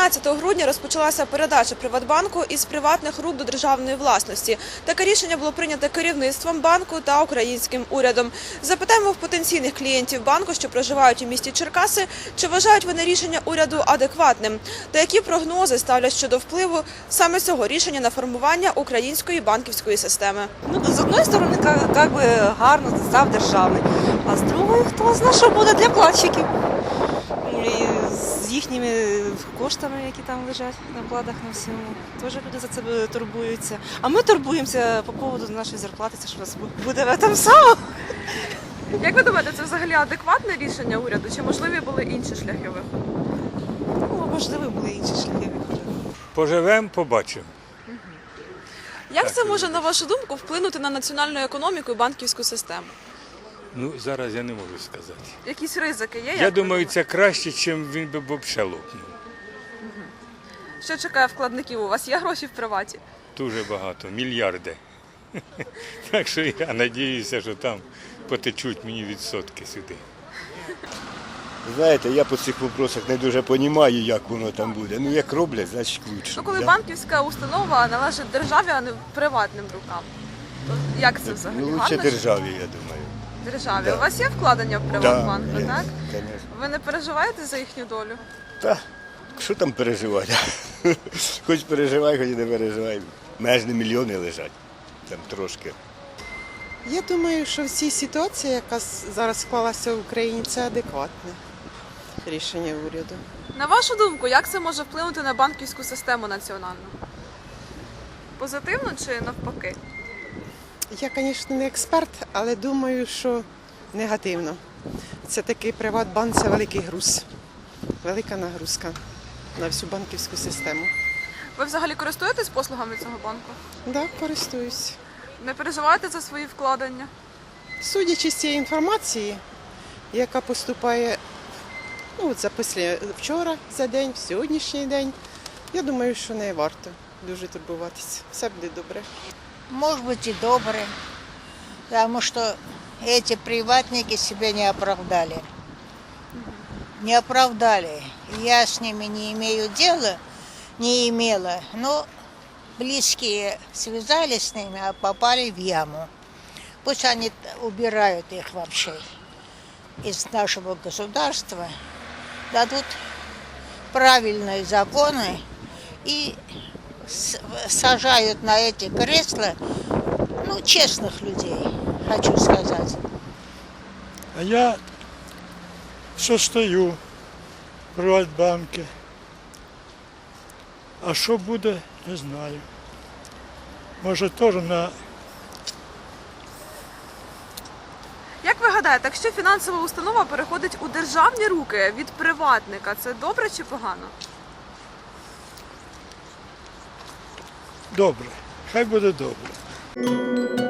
13 грудня розпочалася передача Приватбанку із приватних рук до державної власності. Таке рішення було прийнято керівництвом банку та українським урядом. Запитаємо в потенційних клієнтів банку, що проживають у місті Черкаси, чи вважають вони рішення уряду адекватним, та які прогнози ставлять щодо впливу саме цього рішення на формування української банківської системи. З одної сторони, гарно, став державний, а з другої, хто знає, що буде для вкладчиків. І з їхніми коштами, які там лежать на вкладах, на всьому. Теж люди за це турбуються. А ми турбуємося по поводу нашої зарплати, це що у нас буде в тому самому. Як ви думаєте, це взагалі адекватне рішення уряду, чи можливі були інші шляхи виходу? Ну, можливо, були інші шляхи виходу. Поживемо, побачимо. Як це може, на вашу думку, вплинути на національну економіку і банківську систему? Ну, зараз я не можу сказати. Якісь ризики є? Я думаю, це краще, ніж він би взагалі лопнув. Що чекає вкладників? У вас є гроші в приваті? Дуже багато, мільярди. Так що я сподіваюся, що там потечуть мені відсотки сюди. Знаєте, я по цих питаннях не дуже розумію, як воно там буде. Ну, як роблять, значить лучше. Ну, коли банківська установа належить державі, а не приватним рукам. То як це взагалі? Ну, лучше Гарно, що державі, я думаю. державі? Да. У вас є вкладення в Приватбанку, є, так? звісно. Ви не переживаєте за їхню долю? Та, що там переживати? Хоч переживай, хоч не переживай. Меж не мільйони лежать, там трошки. Я думаю, що в цій ситуації, яка зараз склалася в Україні, це адекватне рішення уряду. На вашу думку, як це може вплинути на банківську систему національну? Позитивно чи навпаки? Я, звісно, не експерт, але думаю, що негативно. Це такий Приватбанк, це великий груз, велика нагрузка на всю банківську систему. Ви взагалі користуєтесь послугами цього банку? Так, користуюсь. Не переживаєте за свої вкладення? Судячи з цієї інформації, яка поступає вчора за день, в сьогоднішній день, я думаю, що не варто дуже турбуватися. Все буде добре. Может быть и добрые, потому что эти приватники себя не оправдали. Не оправдали. Я с ними не имею дела, не имела, но близкие связались с ними, а попали в яму. Пусть они убирают их вообще из нашего государства, дадут правильные законы и сажают на эти кресла, честных людей, хочу сказать. А я состою в Приватбанку. А що буде, не знаю. Може теж на... Як ви гадаєте, якщо фінансова установа переходить у державні руки від приватника, це добре чи погано? Добре, хай буде добре.